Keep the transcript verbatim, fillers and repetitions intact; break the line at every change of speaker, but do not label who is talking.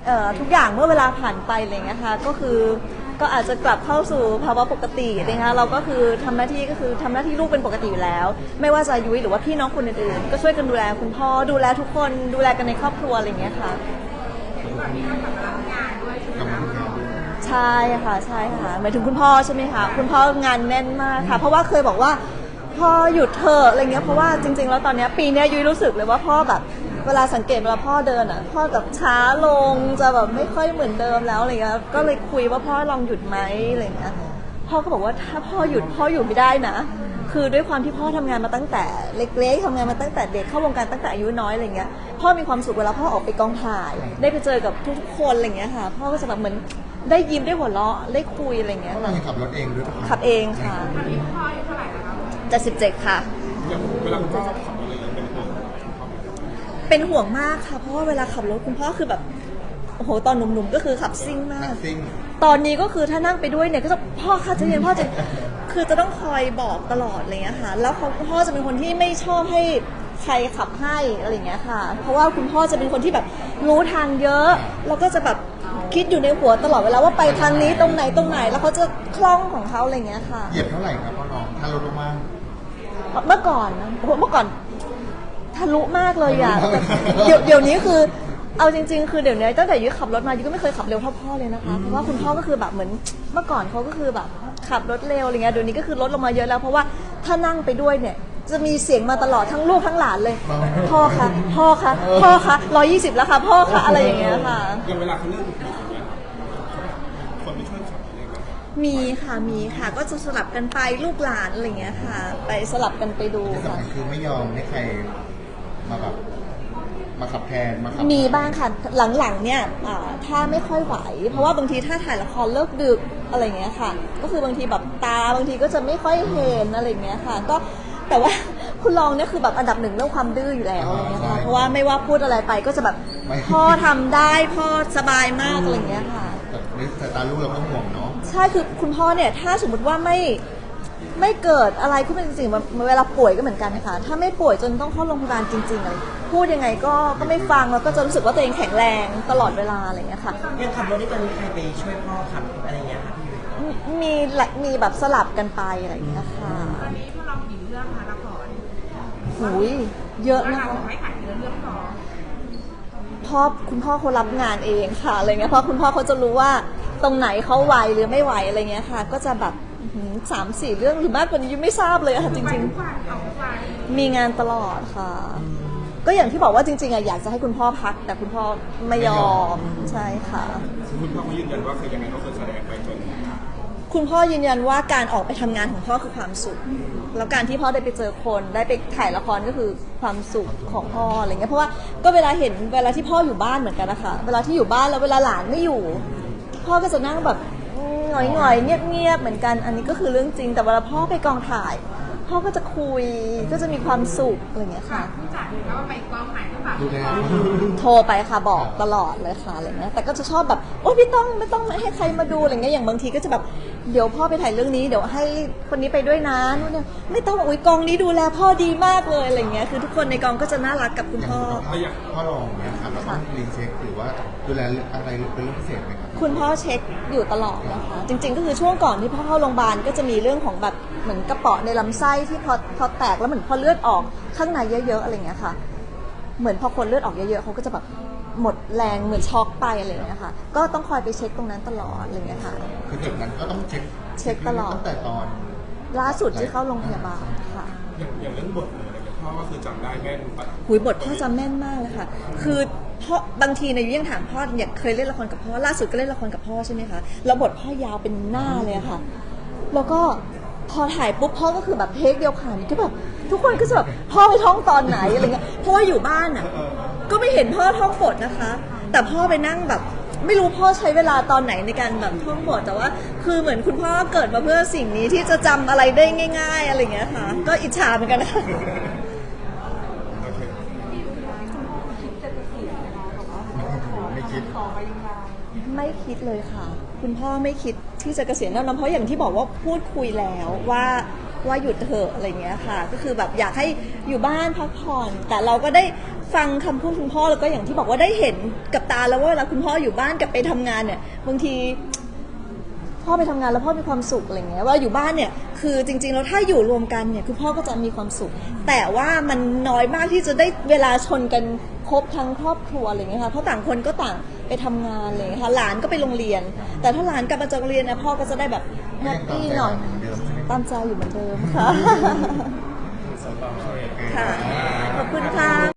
เอ่อทุกอย่างเมื่อเวลาผ่านไปอะไรเงี้ยค่ะก็คือก็อาจจะกลับเข้าสู่ภาวะปกตินะคะเราก็คือทำหน้าที่ก็คือทำหน้าที่ลูกเป็นปกติอยู่แล้วไม่ว่าจะยุ้ยหรือว่าพี่น้องคนอื่นๆก็ช่วยกันดูแลคุณพ่อดูแลทุกคนดูแลกันในครอบครัวอะไรเงี้ยค่ะใช่ค่ะใช่ค่ะหมายถึงคุณพ่อใช่ไหมคะคุณพ่องานแน่นมากค่ะเพราะว่าเคยบอกว่าพ่อหยุดเถอะอะไรเงี้ยเพราะว่าจริงๆแล้วตอนนี้ปีนี้ยุ้ยรู้สึกเลยว่าพ่อแบบเวลาสังเกตเวลาพ่อเดินอ่ะพ่อแบบช้าลงจะแบบไม่ค่อยเหมือนเดิมแล้วอะไรเงี้ยก็เลยคุยว่าพ่อลองหยุดไหมอะไรเงี้ยพ่อก็บอกว่าถ้าพ่อหยุดพ่ออยู่ไม่ได้นะคือด้วยความที่พ่อทำงานมาตั้งแต่เล็กๆทำงานมาตั้งแต่เด็กเข้าวงการตั้งแต่อายุน้อยอะไรเงี้ยพ่อมีความสุขเวลาพ่อออกไปกองถ่ายได้ไปเจอกับทุกๆคนอะไรเงี้ยค่ะพ่อก็จะแบบเหมือนได้ยิ้มได้หัวเราะได้คุยอะไรเงี้ย
เราขับรถเองด้วย
ขับเองค่ะจะสิบเจ็ดค่ะ
เวลาคุณพ่อขับรถเลยเป็นห่วง
เป็นห่วงมากค่ะเพราะว่าเวลาขับรถคุณพ่อคือแบบโอ้โหตอนหนุ่มๆก็คือขับซิ่งมากตอนนี้ก็คือถ้านั่งไปด้วยเนี่ยก็จะพ่อค่ะจะเย็นพ่อจะคือจะต้องคอยบอกตลอดอะไรเงี้ยค่ะแล้วเขาพ่อจะเป็นคนที่ไม่ชอบให้ใครขับให้อะไรเงี้ยค่ะเพราะว่าคุณพ่อจะเป็นคนที่แบบรู้ทางเยอะแล้วก็จะแบบคิดอยู่ในหัวตลอดเวลาว่าไปทางนี้ตรงไหนตรงไหนแล้วเขาจะคล่องของเขาอะไรเงี้ยค่ะ
เหยียบเท่าไหร่ครับพ่อน้องถ้ารถลงมา
เมื่อก่อนนะเมื่อก่อนทะลุมากเลยอะเดี๋ยวเดี๋ยวนี้คือเอาจริงๆคือเดี๋ยวนี้ตั้งแต่ยุ้ยขับรถมายุ้ยก็ไม่เคยขับเร็วเท่าพ่อเลยนะคะเพราะว่าคุณพ่อก็คือแบบเหมือนเมื่อก่อนเขาก็คือแบบขับรถเร็วอะไรเงี้ยเดี๋ยวนี้ก็คือลดลงมาเยอะแล้วเพราะว่าถ้านั่งไปด้วยเนี่ยจะมีเสียงมาตลอดทั้งลูกทั้งหลานเลยพ่อคะพ่อคะพ่อคะร้อยยี่สิบแล้วค่ะพ่อคะอะไรอย่างเงี้ยค่ะ
อย่างเวลาเขาเลือกคนไปช่วยขับอะไรกัน
มีค่ะมีค่ะก็จะสลับกันไปลูกหลานอะไรเงี้ยค่ะไปสลับกันไปดู
ที่สำคัญคือไม่ยอมให้ใครมาแบบมาขับแทนมาขับ
มีบ้างค่ะหลังๆเนี่ยถ้าไม่ค่อยไหวเพราะว่าบางทีถ้าถ่ายละครเลิกดึกอะไรเงี้ยค่ะก็คือบางทีแบบตาบางทีก็จะไม่ค่อยเห็นอะไรเงี้ยค่ะก็แต่ว่าคุณลองเนี่ยคือแบบอันดับหนึ่งเรื่องความดื้ออยู่แล้วอะไรเงี้ยค่ะเพราะว่าไม่ว่าพูดอะไรไปก็จะแบบพ่อทำได้พ่อสบายมากอะไรเงี้ยค่ะ
แต่ในสายตาลูกเราก็ห่วงเนาะ
ใช่คือคุณพ่อเนี่ยถ้าสมมติว่าไม่ไม่เกิดอะไรขึ้นเป็นจริงๆเวลาป่วยก็เหมือนกันค่ะถ้าไม่ป่วยจนต้องเข้าโรงพยาบาลจริงๆอะไรพูดยังไงก็ก็ไม่ฟังแล้วก็จะรู้สึกว่าตัวเองแข็งแรงตลอดเวลาอะไรอย่างเงี้ยค่ะ
ยังขับรถนี่ตอนนี้ใครไปช่วยพ่อขับอะไรเงี้ยค่ะ
มีมีแบบสลับกันไปอะไรอย่างเงี้ยค่ะ
ตอนนี้พวกเรากี่เรื่องคะละคร
หูยเยอะนะคะ
ไม่ขายเรื่องเรื่องพอ
พ่อคุณพ่อเขารับงานเองค่ะอะไรเงี้ยเพราะคุณพ่อเขาจะรู้ว่าตรงไหนเขาไหวหรือไม่ไหวอะไรเงี้ยค่ะก็จะแบบสามสี่เรื่องหรือมากกว่านี้ยังไม่ทราบเลยค่ะจริงๆมีงานตลอดค่ะก็อย่างที่บอกว่าจริงๆอะอยากจะให้คุณพ่อพักแต่คุณพ่อไม่ยอมใช่ค่ะ
คุณพ่อเขายืนยันว่าคือยังไงก็คือแสดงไปจน
คุณพ่อยืนยันว่าการออกไปทำงานของพ่อคือความสุขแล้วการที่พ่อได้ไปเจอคนได้ไปถ่ายละครก็คือความสุขของพ่ออะไรเงี้ยเพราะว่าก็เวลาเห็นเวลาที่พ่ออยู่บ้านเหมือนกันนะคะเวลาที่อยู่บ้านแล้วเวลาหลานไม่อยู่พ่อก็จะนั่งแบบหงอยๆเงียบๆเหมือนกันอันนี้ก็คือเรื่องจริงแต่เวลาพ่อไปกองถ่ายพ่อก็จะคุยก็จะมีความสุขอะไรอย่างเงี้ยค่ะ
ผู้จัดแล้วว่าไปกองถ่ายหรือเปล่า
โทรไปค่ะบอกตลอดเลยค่ะอะไรเงี้ยแต่ก็จะชอบแบบโอ๊ยไม่ต้องไม่ต้องให้ใครมาดูอะไรเงี้ยอย่างบางทีก็จะแบบเดี๋ยวพ่อไปถ่ายเรื่องนี้เดี๋ยวให้คนนี้ไปด้วยนะนู่นเนี่ยไม่ต้องอุ้ยกองนี้ดูแลพ่อดีมากเลยอะไรเงี้ยคือทุกคนในกองก็จะน่ารักกับคุณพ่อ
พ่อรองเนี่ยครับเราต้องรีเช็คหรือว่าดูแลอะไรเป็นเรื่องพิเศษไหมครับ
คุณพ่อเช็คอยู่ตลอดนะคะจริงๆก็คือช่วงก่อนที่พ่อเข้าโรงพยาบาลก็จะมีเรื่องของแบบเหมือนกระเปาะในลำไส้ที่พอพอแตกแล้วเหมือนพอเลือดออกข้างในเยอะๆอะไรเงี้ยค่ะเหมือนพอคนเลือดออกเยอะๆเขาก็จะแบบหมดแรงเหมือนช็อกไปอะไรเงี้ยค่ะก็ต้องคอยไปเช็คตรงนั้นตลอดอะไรเงี้ยค่ะ
คือจากนั้นก็ต้องเช็ค
เช็คตลอด
ตั้งแต่ตอน
ล่าสุดที่เข้าโรงพยาบาลค่ะ
อย่างอย่างเรื่องบทอะไรเนี่ยพ่อก็คือจำได้แม่น
หุยบทพ่อจำแม่นมากเลยค่ะคือพ่อบางทีในยุ้ยยังถามพ่ออยากเคยเล่นละครกับพ่อล่าสุดก็เล่นละครกับพ่อใช่ไหมคะแล้วบทพ่อยาวเป็นหน้าเลยค่ะแล้วก็พอถ่ายปุ๊บพ่อก็คือแบบเทคเดียวผ่านก็แบบทุกคนก็จะแบบพ่อไปท่องตอนไหนอะไรเงี้ยเพราะว่าอยู่บ้านอ่ะก็ไม่เห็นพ่อท่องบทนะคะแต่พ่อไปนั่งแบบไม่รู้พ่อใช้เวลาตอนไหนในการแบบท่องบทแต่ว่าคือเหมือนคุณพ่อเกิดมาเพื่อสิ่งนี้ที่จะจำอะไรได้ง่ายๆอะไรเงี้ยค่ะก็อิจฉาเหมือนกันนะคะ
ไม่คิด
ไม่คิดเลยค่ะคุณพ่อไม่คิดที่จะเกษียณแน่นอนเพราะอย่างที่บอกว่าพูดคุยแล้วว่าว่าหยุดเถอะอะไรเงี้ยค่ะก็คือแบบอยากให้อยู่บ้านพักผ่อนแต่เราก็ได้ฟังคำพูดคุณพ่อแล้วก็อย่างที่บอกว่าได้เห็นกับตาแล้วว่าเวลาคุณพ่ออยู่บ้านกับไปทำงานเนี่ยบางทีพ่อไปทำงานแล้วพ่อมีความสุขอะไรเงี้ยว่าอยู่บ้านเนี่ยคือจริงๆแล้วถ้าอยู่รวมกันเนี่ยคือพ่อก็จะมีความสุข แต่ว่ามันน้อยมากที่จะได้เวลาชนกันครบทั้งครอบครัวอะไรเงี้ยค่ะเพราะต่างคนก็ต่างไปทำงานอะไรเลยค่ะหลานก็ไปโรงเรียน แต่ถ้าหลานกลับมาจากโรงเรียนเนี่ยพ่อก็จะได้แบบแฮปปี้หน่อยตามใจอยู่เหมือนเดิมค่ะค่ะขอบคุณค่ะ